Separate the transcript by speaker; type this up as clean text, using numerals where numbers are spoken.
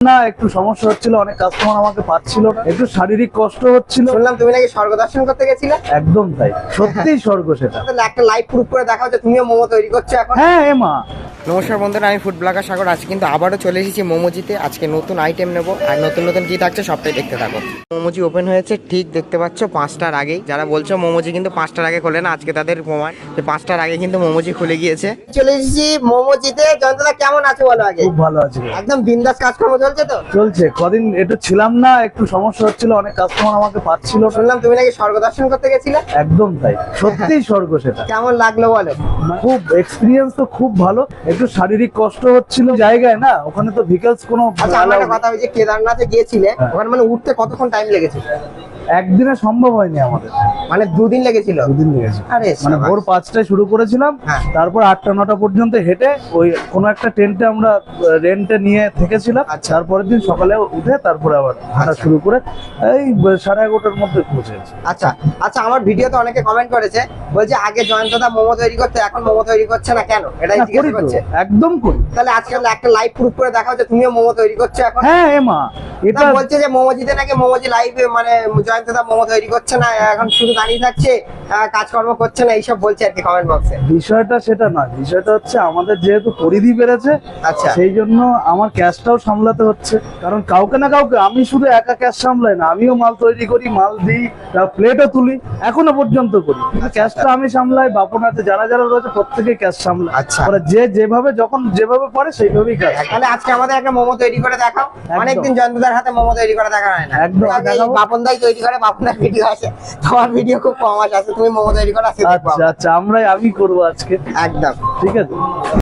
Speaker 1: না, একটু সমস্যা হচ্ছিল, অনেক কাস্টমার আমাকে পাচ্ছিল না, একটু শারীরিক কষ্ট হচ্ছিল।
Speaker 2: শুনলাম তুমি নাকি স্বর্গ দর্শন করতে গেছিলে।
Speaker 1: একদম তাই, সত্যিই স্বর্গ সেটা।
Speaker 2: তাহলে একটা লাইভ প্রুফ করে দেখাও যে তুমিও মোমো তৈরি করছো এখন।
Speaker 1: হ্যাঁ এমা।
Speaker 2: নমস্কার বন্ধুরা, আমি ফুড ব্লগার সাগর। আজকে কিন্তু আবারও চলে এসেছি মোমোজিতে। আজকে নতুন আইটেম নেব, আর নতুন নতুন কি থাকছে সবটাই দেখতে থাকো। মোমোজি ওপেন হয়েছে ঠিক দেখতে পাচ্ছ 5টার আগেই। যারা বলছো মোমোজি কিন্তু 5টার আগে খোলে না, আজকে তাদের প্রমাণ যে 5টার আগে কিন্তু মোমোজি খুলে গিয়েছে। চলে এসেছি মোমোজিতে। জয়ন্তদা কেমন আছে বলো আগে?
Speaker 1: খুব ভালো আছে।
Speaker 2: একদম বিন্দাস কাজকর্ম চলছে তো?
Speaker 1: চলছে, কদিন একটু ছিলাম না, একটু সমস্যা হচ্ছিল, অনেক কাস্টমার আমাকে পাচ্ছিল না।
Speaker 2: শুনলাম তুমি নাকি স্বর্গ দর্শন করতে গেছিলে।
Speaker 1: একদম তাই, সত্যিই স্বর্গ সেটা।
Speaker 2: কেমন লাগলো বলো?
Speaker 1: খুব এক্সপিরিয়েন্স তো খুব ভালো, একটু শারীরিক কষ্ট হচ্ছিল জায়গায় না, ওখানে তো ভিকেলস কোনো
Speaker 2: আচ্ছা, আমার একটা কথা, ওই যে কেদারনাথে গিয়েছিলে ওখানে মানে উঠতে কতক্ষণ টাইম লেগেছে?
Speaker 1: একদিনে সম্ভব হয়নি আমাদের,
Speaker 2: মানে 2 দিন লেগেছিল।
Speaker 1: 2 দিন লেগেছে।
Speaker 2: আরে
Speaker 1: মানে
Speaker 2: সাবাস।
Speaker 1: ভোর 5টায় শুরু করেছিলাম,
Speaker 2: হ্যাঁ।
Speaker 1: তারপর 8টা-9টা পর্যন্ত হেঁটে ওই কোনো একটা টেন্টে আমরা রেন্টে নিয়ে থেকেছিলাম।
Speaker 2: আচ্ছা।
Speaker 1: তারপরের দিন সকালে উঠে তারপরে আবার হাঁটা শুরু করে এই 11:30টার মধ্যে পৌঁছেছি।
Speaker 2: আচ্ছা আচ্ছা, আমার ভিডিওতে অনেকে কমেন্ট করেছে, বলছে আগে জয়ন্তদা মোমো তৈরি করতে, এখন মোমো তৈরি করছে না কেন? এটাই
Speaker 1: না,
Speaker 2: জিজ্ঞাসা
Speaker 1: করি তো,
Speaker 2: করছে।
Speaker 1: একদম করি।
Speaker 2: তাহলে আজকে একটা লাইভ প্রুফ করে দেখাও যে তুমিও মোমো তৈরি করছো এখন।
Speaker 1: হ্যাঁ এমা, এটা
Speaker 2: এটা বলছে যে মোমোজিতে নাকি মোমোজি লাইভে মানে জয়ন্তদা মোমো তৈরি করছে না, এখন শুধু দাঁড়িয়ে থাকছে, কাজকর্ম করছে না, এইসব বলছে আর কি কমেন্ট বক্সে।
Speaker 1: বিষয়টা সেটা নয়, বিষয়টা হচ্ছে আমাদের যেহেতু পরিধি বেড়েছে,
Speaker 2: আচ্ছা।
Speaker 1: সেই জন্য আমার ক্যাশটাও সামলাতে হচ্ছে। কারণ কাউকে না কাউকে, আমি শুধু একা ক্যাশ সামলাই না, আমিও মাল তৈরি করি, মাল দিই, প্লেটও তুলি, এখনো পর্যন্ত করি, কিন্তু ক্যাশটা আমি সামলাই। বাপন আছে, যারা যারা রয়েছে প্রত্যেকে ক্যাশ সামলায়।
Speaker 2: আচ্ছা।
Speaker 1: পরে যে যেভাবে যখন যেভাবে পারে সেইভাবেই কাজ।
Speaker 2: তাহলে আজকে আমাদের একটা মোমো তৈরি করে দেখাও।
Speaker 1: একদম।
Speaker 2: অনেকদিন জয়ন্তদার হাতে মোমো তৈরি করে দেখা হয় না।
Speaker 1: একদম,
Speaker 2: আগে
Speaker 1: দেখাবো।
Speaker 2: বাপনদাই তৈরি করে, বাপনদার ভিডিও আছে, তোমার ভিডিও খুব কম আসে। তুমি মোমো তৈরি করে আজকে দেখবো
Speaker 1: আচ্ছা
Speaker 2: আমরা।
Speaker 1: আচ্ছা, আমি করবো আজকে।
Speaker 2: একদম।
Speaker 1: ঠিক আছে।